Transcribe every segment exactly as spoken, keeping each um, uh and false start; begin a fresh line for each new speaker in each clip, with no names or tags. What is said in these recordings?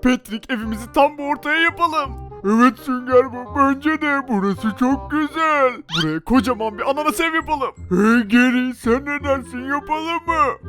Patrick, evimizi tam bu ortaya yapalım. Evet Sünger Bob, bence de burası çok güzel. Buraya kocaman bir ananas ev yapalım. Hey Geri, sen ne dersin, yapalım mı?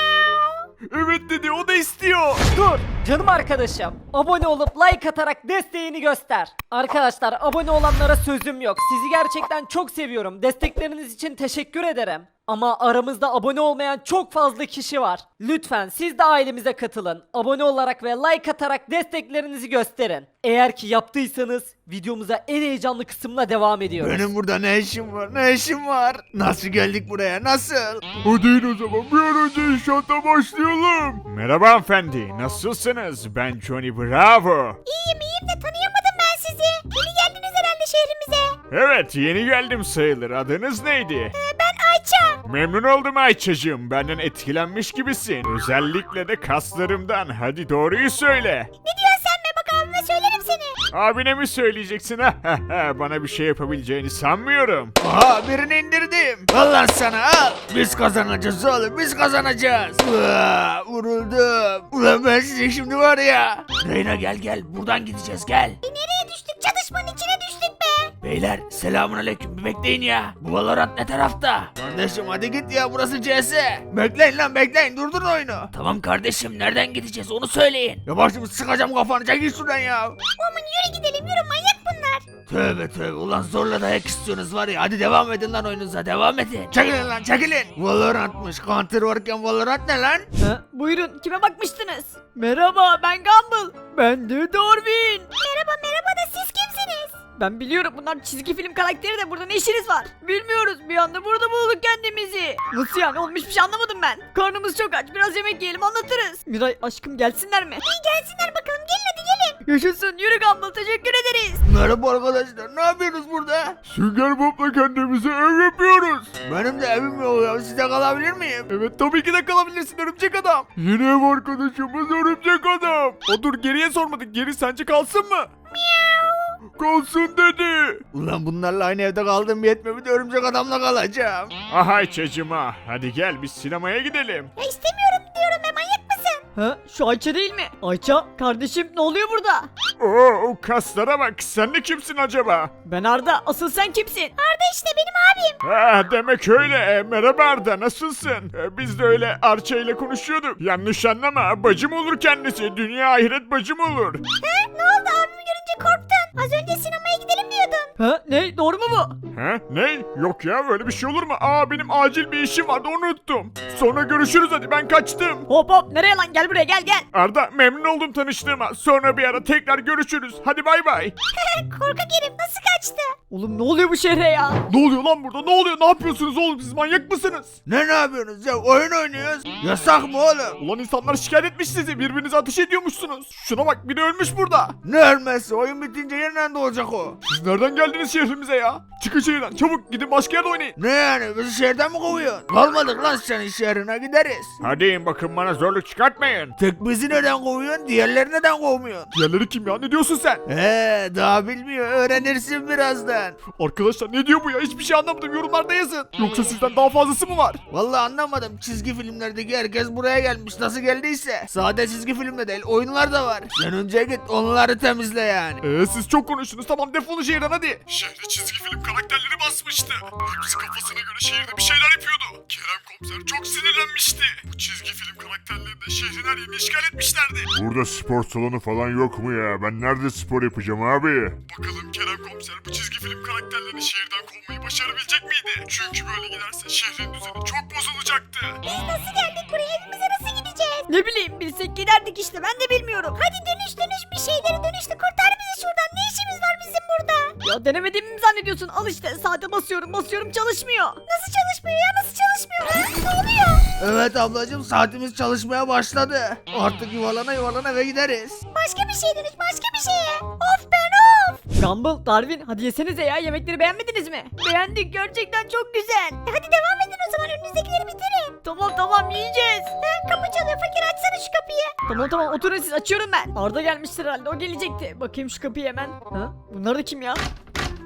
Evet dedi, o da istiyor.
Dur canım arkadaşım. Abone olup like atarak desteğini göster. Arkadaşlar abone olanlara sözüm yok. Sizi gerçekten çok seviyorum. Destekleriniz için teşekkür ederim. Ama aramızda abone olmayan çok fazla kişi var. Lütfen siz de ailemize katılın. Abone olarak ve like atarak desteklerinizi gösterin. Eğer ki yaptıysanız videomuza en heyecanlı kısımla devam ediyoruz.
Benim burada ne işim var? Ne işim var? Nasıl geldik buraya? Nasıl?
Hadi in o zaman, bir an önce inşaata başlayalım. Merhaba hanımefendi, nasılsınız? Ben Johnny Bravo.
İyiyim iyiyim de tanıyamadım ben sizi. Yeni geldiniz herhalde şehrimize.
Evet, yeni geldim sayılır. Adınız neydi?
Ee, ben Ayça.
Memnun oldum Ayça'cığım. Benden etkilenmiş gibisin. Özellikle de kaslarımdan. Hadi doğruyu söyle.
Ne diyorsun sen be, bak abime söylerim seni.
Abine mi söyleyeceksin? Bana bir şey yapabileceğini sanmıyorum.
Aha, birini indirdim. Al lan sana, al. Biz kazanacağız oğlum, biz kazanacağız. Uaa, vuruldum. Ulan ben size şimdi var ya. Reyna gel gel, buradan gideceğiz, gel.
E nereye düştük? Çatışmanın içine düştük be.
Beyler selamun aleyküm, bir bekleyin ya. Bu Valorant ne tarafta? Kardeşim hadi git ya, burası C S. Bekleyin lan bekleyin, durdurun oyunu. Tamam kardeşim, nereden gideceğiz onu söyleyin. Ya başımı sıkacağım kafanı, çekil şuradan ya.
Oğlum yürü gidelim, yürü, manyak bunlar.
Tövbe tövbe, ulan zorla dayak istiyorsunuz var ya, hadi devam edin lan oyununuza, devam edin. Çekilin lan çekilin. Valorant'mış, Counter varken Valorant ne lan?
Ha, buyurun kime bakmıştınız? Merhaba ben Gumball. Ben de Darwin.
Merhaba merhaba da siz kimsiniz?
Ben biliyorum bunlar çizgi film karakteri de burada ne işiniz var? Bilmiyoruz bir anda burada bulduk kendimizi. Nasıl yani oğlum hiçbir şey anlamadım ben. Karnımız çok aç biraz yemek yiyelim anlatırız. Miray aşkım gelsinler mi?
İyi gelsinler bakalım, gelin hadi gelin.
Yaşasın yürü Gumball teşekkür ederiz.
Merhaba arkadaşlar, ne yapıyorsunuz burada?
Sünger Bob'la kendimize ev yapıyoruz.
Benim de evim yok ya, sizde kalabilir miyim?
Evet tabii ki de kalabilirsin örümcek adam. Yeni ev arkadaşımız örümcek adam. O dur, geriye sormadık. Geri sence kalsın mı? Kalsın dedi.
Ulan bunlarla aynı evde kaldım yetmiyor, bir de örümcek adamla kalacağım.
Aha Ayça'cığıma, hadi gel biz sinemaya gidelim.
Ya istemiyorum diyorum be, manyak mısın?
Ha şu Ayça değil mi? Ayça kardeşim ne oluyor burada?
Oo, o kaslara bak, sen de kimsin acaba?
Ben Arda asıl sen kimsin?
Arda işte benim abim.
Ha, demek öyle. E, merhaba Arda, nasılsın? E, biz de öyle Arça ile konuşuyorduk. Yanlış anlama, bacım olur kendisi. Dünya ahiret bacım olur.
He ne oldu, abimi görünce korktun? Az önce sinemaya gidelim diyordun.
Ha ne doğru mu bu?
Ha, ne? Yok ya, böyle bir şey olur mu? Aa, benim acil bir işim vardı, onu unuttum. Sonra görüşürüz, hadi ben kaçtım.
Hop hop nereye lan gel buraya gel gel.
Arda, memnun oldum tanıştığıma. Sonra bir ara tekrar görüşürüz. Hadi bay bay.
Korkak herif nasıl kaçtı?
Oğlum ne oluyor bu şehre ya?
Ne oluyor lan burada? Ne oluyor? Ne yapıyorsunuz oğlum? Siz manyak mısınız?
Ne ne yapıyorsunuz ya, oyun oynuyoruz. Yasak mı oğlum?
Ulan insanlar şikayet etmiş sizi. Birbirinize ateş ediyormuşsunuz. Şuna bak, biri ölmüş burada.
Ne ölmesi, oyun bitince yeniden doğacak o.
Siz nereden geldiniz şehrimize ya? Çıkın şehirden çabuk, gidin başka yerde oynayın.
Ne yani, bizi şehirden mi kovuyorsun? Kalmadık lan senin şehrine, gideriz.
Hadi in bakın, bana zorluk çıkartmayın.
Tek bizi neden kovuyorsun, diğerleri neden kovmuyorsun?
Diğerleri kim ya? Ne diyorsun sen?
He daha bilmiyor, öğrenirsin birazdan.
Arkadaşlar ne diyor bu ya? Hiçbir şey anlamadım. Yorumlarda yazın. Yoksa sizden daha fazlası mı var?
Vallahi anlamadım, çizgi filmlerdeki herkes buraya gelmiş, nasıl geldiyse. Sade çizgi filmde değil, oyunlar da var. Sen önce git onları temizle yani.
Eee siz çok konuştunuz. Tamam, defolun şehirden hadi. Şehre çizgi film karakterleri basmıştı. Hepsi kafasına göre şehirde bir şeyler yapıyordu. Kerem komiser çok sinirlenmişti. Bu çizgi film karakterleri de şehrin her yerini işgal etmişlerdi.
Burada spor salonu falan yok mu ya? Ben nerede spor yapacağım abi?
Bakalım Kerem komiser bu çizgi film karakterlerini şehirden kovmayı başarabilecek miydi? Çünkü böyle giderse şehrin düzeni çok bozulacaktı.
Biz nasıl geldik buraya, evimize nasıl gideceğiz?
Ne bileyim bilsek giderdik işte ben de bilmiyorum.
Hadi dönüş dönüş bir şeyleri dönüştü, kurtar bizi şuradan, ne işimiz var bizim burada?
Ya denemediğimi mi zannediyorsun? Al işte saate basıyorum basıyorum çalışmıyor.
Nasıl çalışmıyor ya, nasıl çalışmıyor? Ha? Ne oluyor?
Evet ablacığım, saatimiz çalışmaya başladı. Artık yuvarlana yuvarlana eve gideriz.
Başka bir şey dönüş, başka bir şeye. Of ben of.
Gumball, Darwin hadi yesenize ya yemekleri beğenmediniz mi? Beğendik gerçekten çok güzel.
E hadi devam edin o zaman, önünüzdekileri bitirin.
Tamam tamam yiyeceğiz.
Ha, kapı çalıyor, fakir açsana şu kapıyı.
Tamam tamam oturun siz açıyorum ben. Arda gelmiştir herhalde o gelecekti. Bakayım şu kapıyı hemen. Ha? Bunlar da kim ya?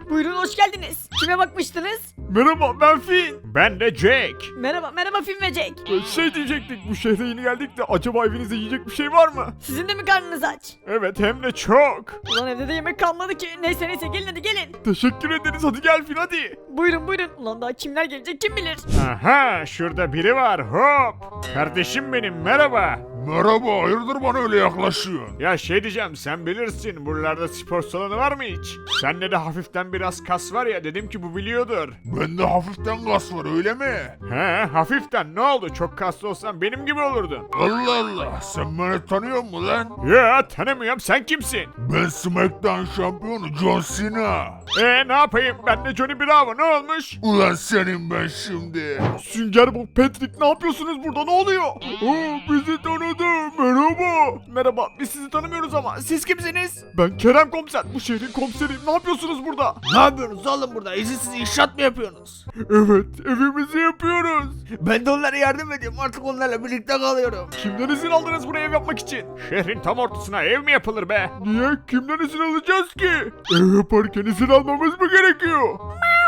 Buyurun hoş geldiniz. Kime bakmıştınız?
Merhaba ben Finn.
Ben de Jack.
Merhaba merhaba Film ve Jack.
Ee, Şey diyecektik, bu şehre yeni geldik de acaba evinizde yiyecek bir şey var mı?
Sizin de mi karnınız aç?
Evet, hem de çok.
Ulan evde de yemek kalmadı ki. Neyse neyse gelin hadi gelin.
Teşekkür ederiz, hadi gel Finn hadi.
Buyurun buyurun. Ulan daha kimler gelecek kim bilir.
Aha, şurada biri var. Hop. Kardeşim benim, merhaba.
Merhaba, hayırdır bana öyle yaklaşıyorsun?
Ya şey diyeceğim, sen bilirsin buralarda spor salonu var mı hiç? Sende de hafiften biraz kas var ya, dedim ki bu biliyordur.
Bende hafiften gaz var öyle mi?
He, hafiften ne oldu? Çok kaslı olsan benim gibi olurdun.
Allah Allah, sen beni tanıyor musun lan?
Ya tanımıyorum, sen kimsin?
Ben SmackDown şampiyonu John Cena.
E ne yapayım, ben de Johnny Bravo, ne olmuş?
Ulan senin ben şimdi.
Sünger Bob, Patrick, ne yapıyorsunuz burada, ne oluyor? Oo, bizi tanıdı, merhaba. Merhaba, biz sizi tanımıyoruz ama siz kimsiniz? Ben Kerem Komiser, bu şehrin komiseriyim, ne yapıyorsunuz burada?
Ne yapıyorsunuz oğlum burada? İzinsiz inşaat mı yapıyorsunuz?
Evet, evimizi yapıyoruz.
Ben de onlara yardım ediyorum, artık onlarla birlikte kalıyorum.
Kimden izin aldınız buraya ev yapmak için?
Şehrin tam ortasına ev mi yapılır be?
Niye? Kimden izin alacağız ki? Ev yaparken izin almamız mı gerekiyor?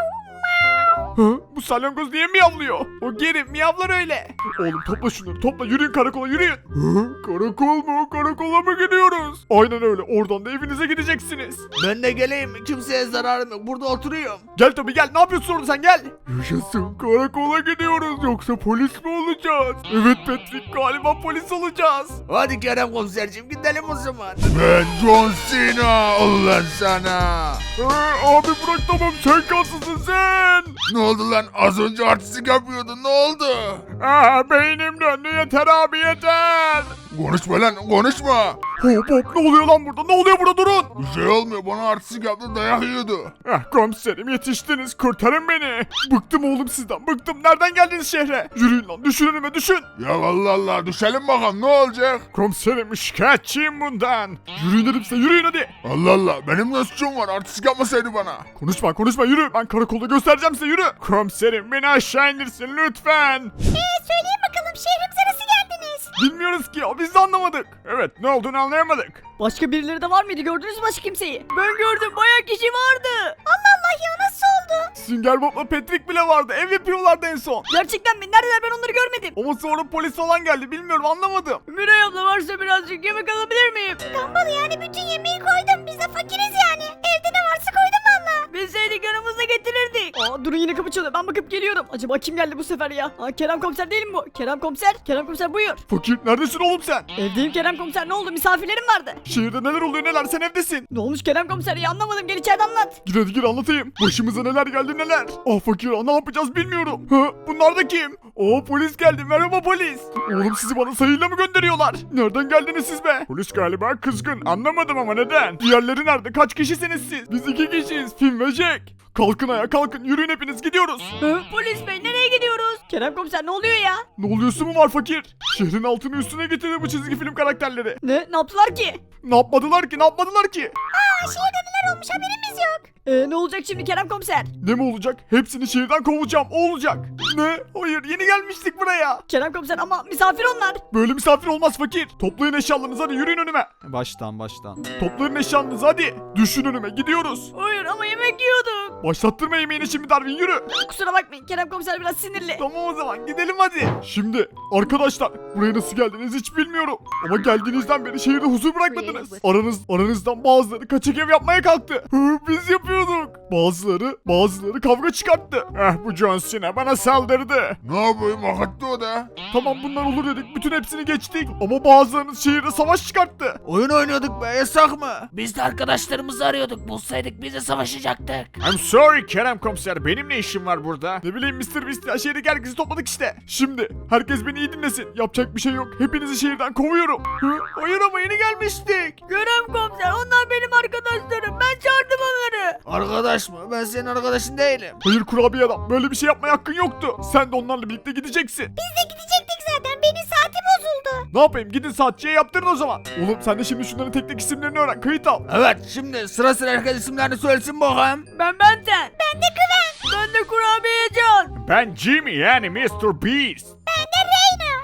Ha? Bu salyangoz niye miyavlıyor? O geri miyavlar öyle. Oğlum topla şunları, topla, yürüyün karakola, yürüyün. Ha? Karakol mu? Karakola mı gidiyoruz? Aynen öyle, oradan da evinize gideceksiniz.
Ben de geleyim, kimseye zararım yok, burada oturuyorum.
Gel tabii gel, ne yapıyorsun orada sen, gel. Yaşasın, karakola gidiyoruz, yoksa polis mi olacağız? Evet Patrick, galiba polis olacağız.
Hadi Kerem komiserciğim, gidelim o zaman.
Ben John Cena, ulan sana.
Ee, abi bırak, tamam, sen kaslısın sen.
Ne oldu lan, az önce artistik yapıyordun, ne oldu?
Aa, beynim döndü, yeter abi yeter.
Konuşma lan, konuşma.
Hop hop, ne oluyor lan burada, ne oluyor burada, durun.
Bir şey olmuyor, bana artistik yaptı, dayak yiyordu.
Ah komiserim, yetiştiniz, kurtarın beni. Bıktım oğlum sizden, bıktım, nereden geldiniz şehre? Yürüyün lan, düşün önüme, düşün.
Ya Allah Allah, düşelim bakalım, ne olacak?
Komiserim, şikayetçiyim bundan. Yürüyün dedim size, yürüyün hadi.
Allah Allah, benim ne suçum var, artistik yapmasaydı bana.
Konuşma konuşma, yürü, ben karakolda göstereceğim size, yürü. Komiserim, beni aşağı indirsin lütfen.
Ee söyleyin bakalım şehrimize nasıl geldiniz?
Bilmiyoruz ki ya, biz de anlamadık. Evet, ne olduğunu anlayamadık.
Başka birileri de var mıydı gördünüz mü başka kimseyi? Ben gördüm bayağı kişi vardı.
Allah Allah ya nasıl oldu?
Sünger Bob'la Patrick bile vardı, ev yapıyorlardı en son.
Gerçekten mi? Neredeler ben onları görmedim.
Ama sonra polis falan geldi, bilmiyorum, anlamadım.
Miray abla varsa birazcık yemek alabilir miyim?
Tombalı yani bütün yemeği koydum. Biz de fakiriz yani. Evde ne varsa koydum valla.
Bilseydik yanımızda getirirdik. Aa durun yine kapı çalıyor ben bakıp geliyorum. Acaba kim geldi bu sefer ya? Aa Kerem komiser değil mi bu? Kerem komiser. Kerem komiser buyur.
Fakir, neredesin oğlum sen?
Evdeyim Kerem komiser ne oldu misafirlerim vardı.
Şehirde neler oluyor neler, sen evdesin.
Ne olmuş Kerem komiser ya anlamadım gel içeride anlat.
Gir hadi gir, anlatayım. Başımıza neler geldi neler. Ah fakir, ah, ne yapacağız bilmiyorum. Ha, bunlar da kim? Oo, polis geldi, merhaba polis. Oğlum sizi bana sayıyla mı gönderiyorlar? Nereden geldiniz siz be? Polis galiba kızgın, anlamadım ama neden? Diğerleri nerede, kaç kişisiniz siz? Biz iki kişiyiz, Finn ve Jack. Kalkın ayağa, kalkın, yürüyün hepiniz, gidiyoruz.
Hı, polis bey nereye gidiyoruz? Kerem komiser ne oluyor ya?
Ne oluyorsun mu var fakir? Şehrin altını üstüne getirdi bu çizgi film karakterleri.
Ne? Ne yaptılar ki?
Ne yapmadılar ki, ne yapmadılar ki?
Aa şehirde neler olmuş haberimiz yok.
Ee, ne olacak şimdi Kerem komiser?
Ne mi olacak? Hepsini şehirden kovacağım, o olacak. Ne? Hayır, yeni gelmiştik buraya.
Kerem komiser ama misafir onlar.
Böyle misafir olmaz fakir. Toplayın eşyalarınızı, hadi yürüyün önüme.
Baştan baştan.
Toplayın eşyalarınızı hadi. Düşün önüme, gidiyoruz.
Hayır ama yemek yiyorduk.
Başlattırma yemeğini şimdi Darwin, yürü.
Kusura bakmayın Kerem komiser biraz sinirli.
Tamam o zaman gidelim hadi. Şimdi arkadaşlar, buraya nasıl geldiniz hiç bilmiyorum. Ama geldiğinizden beri şehirde huzur bırakmadınız. Aranız, aranızdan bazıları kaçak ev yapmaya kalktı. Hı, biz yapıyorduk. Bazıları, bazıları kavga çıkarttı. Eh, bu John Cena bana saldırdı.
Ne yapayım, hak etti o da.
Tamam bunlar olur dedik, bütün hepsini geçtik. Ama bazılarınız şehirde savaş çıkarttı.
Oyun oynuyorduk be, yasak mı? Biz de arkadaşlarımızı arıyorduk, bulsaydık biz de savaşacaktık. I'm sorry Kerem komiser, benim ne işim var burada?
Ne bileyim mister Beast ya, şehirdeki herkesi topladık işte. Şimdi herkes beni iyi dinlesin. Yapacak bir şey yok. Hepinizi şehirden kovuyorum. Hı? Hayır ama yeni gelmiştik.
Kerem komiser onlar benim arkadaşlarım. Ben çağırdım onları.
Arkadaş mı? Ben senin arkadaşın değilim.
Hayır kurabiye adam, böyle bir şey yapmaya hakkın yoktu. Sen de onlarla birlikte gideceksin.
Biz de gidecektik zaten. Benim saati bozuldu.
Ne yapayım, gidin saatçiye yaptırın o zaman. Oğlum sen de şimdi şunların tek tek isimlerini öğren, kayıt al.
Evet, şimdi sıra sıra herkes isimlerini söylesin bakalım.
Ben Benten. Ben de Güven. Ben de kurabiye Can.
Ben Jimmy yani mister Beast.
Ben de Reyna.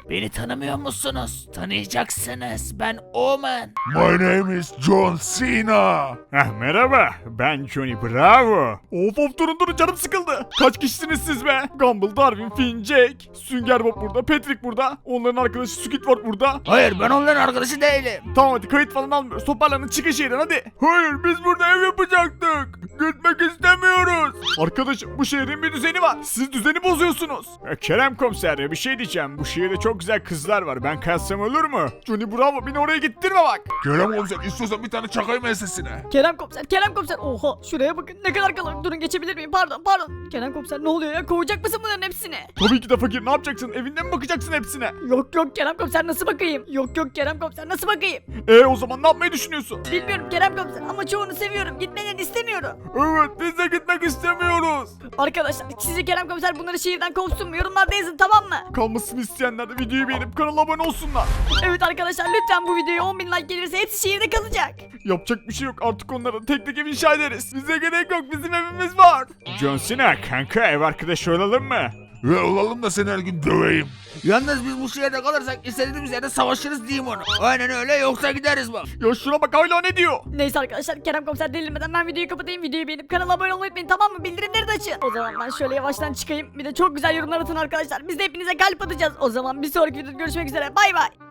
Beni tanımıyor musunuz? Tanıyacaksınız. Ben Omen.
My name is John Cena.
Heh, merhaba, ben Johnny Bravo. Of of durun durun canım sıkıldı. Kaç kişisiniz siz be? Gumball, Darwin, Finn, Jake, Sünger Bob burada, Patrick burada. Onların arkadaşı Squidward burada.
Hayır ben onların arkadaşı değilim.
Tamam hadi kayıt falan almıyoruz. Toparlanın çıkın şehirden hadi. Hayır biz burada ev yapacaktık. Gitmek istemiyoruz. Arkadaşım bu şehrin bir düzeni var. Siz düzeni bozuyorsunuz. E, Kerem komiser ya bir şey diyeceğim. Bu şehirde çok güzel kızlar var. Ben kalsam olur mu? Johnny Bravo beni oraya gittirme bak.
Kerem komiser istiyorsan bir tane çakayım ensesine.
Kerem komiser, Kerem komiser. Oha şuraya bakın ne kadar kalabalık. Durun geçebilir miyim? Pardon pardon. Kerem komiser ne oluyor ya? Kovacak mısın bunların hepsini?
Tabii ki de fakir ne yapacaksın? Evinde mi bakacaksın hepsine?
Yok yok Kerem komiser nasıl bakayım? Yok yok Kerem komiser nasıl bakayım?
E o zaman ne yapmayı düşünüyorsun?
Bilmiyorum Kerem komiser ama çoğunu seviyorum. Gitmelerini istemiyorum.
Evet biz de gitmek istemiyoruz.
Arkadaşlar sizce Kerem komiser bunları şehirden kovsun mu? Yorumlarda yazın tamam mı?
Kalmasını isteyenler de videoyu beğenip kanala abone olsunlar.
Evet arkadaşlar lütfen bu videoya on bin like gelirse hepsi şehirde kalacak.
Yapacak bir şey yok artık onlara tek tek ev inşa ederiz. Bize gerek yok bizim evimiz var. John Cena kanka ev arkadaşı olalım mı?
Ve olalım da seni her gün döveyim.
Yalnız biz bu şehirde kalırsak istediğimiz yerde savaşırız diyeyim onu. Aynen öyle yoksa gideriz bak.
Ya şuna bak hala ne diyor?
Neyse arkadaşlar Kerem komiser delirmeden ben videoyu kapatayım. Videoyu beğenip kanala abone olmayı unutmayın tamam mı? Bildirimleri de açın. O zaman ben şöyle yavaştan çıkayım. Bir de çok güzel yorumlar atın arkadaşlar. Biz de hepinize kalp atacağız. O zaman bir sonraki videoda görüşmek üzere. Bay bay.